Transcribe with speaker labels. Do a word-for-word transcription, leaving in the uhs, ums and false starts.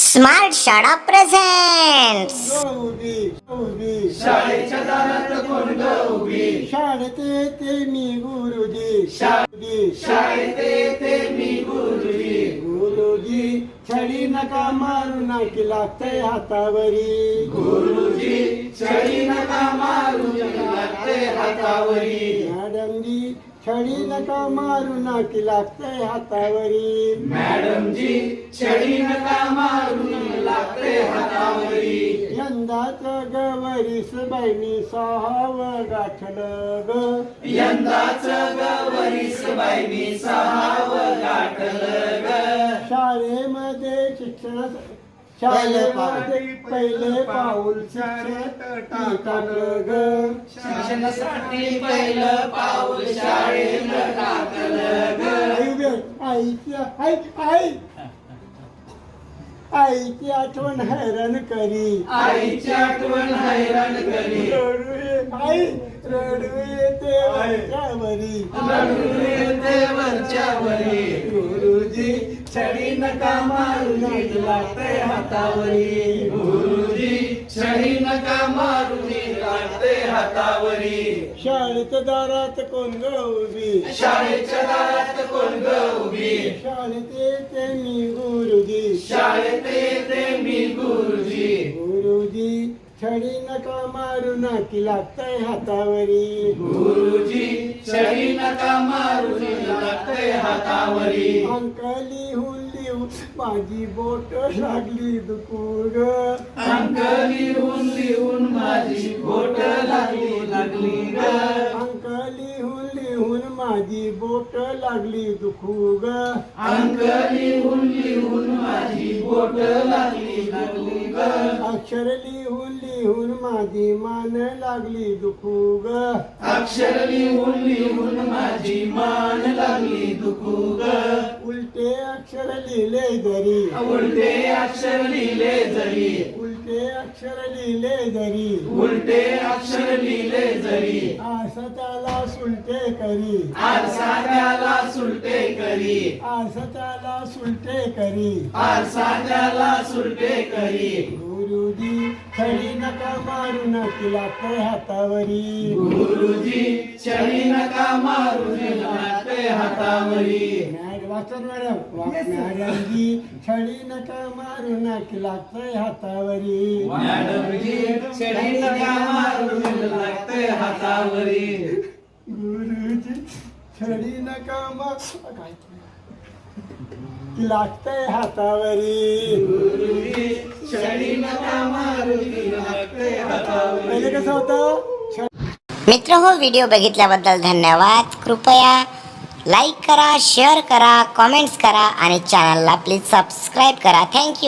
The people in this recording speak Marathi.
Speaker 1: स्मार्ट शाळा प्रेझेंट्स.
Speaker 2: शाळेच्या दारात कोण ग उभी,
Speaker 3: शाळेत येते मी गुरुजी,
Speaker 2: शाळेत येते मी गुरुजी.
Speaker 3: गुरुजी छडी नका मारू नाकी लागतंय हातावरी,
Speaker 2: गुरुजी छडी नका मारू लागते हातावरी.
Speaker 3: मॅडमजी छडी नका मारू नाकी लागतंय हातावरी,
Speaker 2: मॅडमजी छडी नका मारू लागते हातावरी.
Speaker 3: यंदाच गवरीस बाईनी सहावं गाठलं ग,
Speaker 2: यंदाच गवरीस बाईनी सहावं गाठलं ग.
Speaker 3: शाळेमध्ये शिक्षण शाळेमध्ये पहिले पाऊल शिक्षण टाकलं ग,
Speaker 2: शिक्षणासाठी पहिलं पाऊल शाळेत टाकलं ग.
Speaker 3: आईची आई आई आईची आठवण हैराण करी,
Speaker 2: आईची आठवण हैराण करी.
Speaker 3: रडू ये- आई रडू येते वरच्यावरी,
Speaker 2: रडू येते वरच्यावरी.
Speaker 3: गुरुजी
Speaker 2: छडी नका मारू नीट लागते हातावरी, गुरुजी छडी नका मारू नीट लागते हातावरी.
Speaker 3: शाळेत दारात कोण ग उभी,
Speaker 2: शाळेच्या दारात कोण ग उभी,
Speaker 3: शाळेत येते मी गुरुजी,
Speaker 2: शाळेत येते मी गुरुजी.
Speaker 3: गुरुजी छडी नका मारू नाकी लागतंय हातावरी,
Speaker 2: गुरुजी छडी नका मारू नीट लागते हातावरी.
Speaker 3: अंक लिहून लिहून माझी बोट लागली दुखू ग,
Speaker 2: अंक लिहून लिहून माझी बोट लागली लागली ग.
Speaker 3: अंक लिहून लिहून माझी बोट लागली दुखू ग,
Speaker 2: अंक लिहून लिहून माझी बोट लागली लागली ग.
Speaker 3: अक्षर लिहून लिहून माझी मान लागली दुखू ग,
Speaker 2: अक्षर लिहून लिहून माझी मान लागली दुखू ग.
Speaker 3: उलटे अक्षर लिहिले जरी,
Speaker 2: उलटे अक्षर लिहिले जरी,
Speaker 3: उलटे अक्षर लिहिले जरी,
Speaker 2: उलटे अक्षर लिहिले जरी.
Speaker 3: असं त्याला सुलटे करी,
Speaker 2: आरसा त्याला सुलटे करी,
Speaker 3: असं त्याला सुलटे करी.
Speaker 2: आरसा त्याला सुलटे करी.
Speaker 3: गुरुजी छडी नका मारू नकी लागतंय हातावरी,
Speaker 2: गुरुजी छडी नका मारू लागते हातावरी.
Speaker 3: मॅड वाचन मॅडम मॅडमजी छडी नका मारू नकी लागतंय हातावरी,
Speaker 2: मॅडमजी छडी नका मारू लागते हातावरी.
Speaker 3: गुरुजी छडी नका मारू की लागतंय हातावरी.
Speaker 2: गुरुजी छडी नका मारू लागते हातावरी.
Speaker 3: पहिले कसं होतं?
Speaker 1: मित्र हो, व्हिडिओ बघितल्याबद्दल धन्यवाद. कृपया लाईक करा, शेअर करा, कमेंट्स करा आणि चॅनलला प्लीज सबस्क्राईब करा. थँक्यू.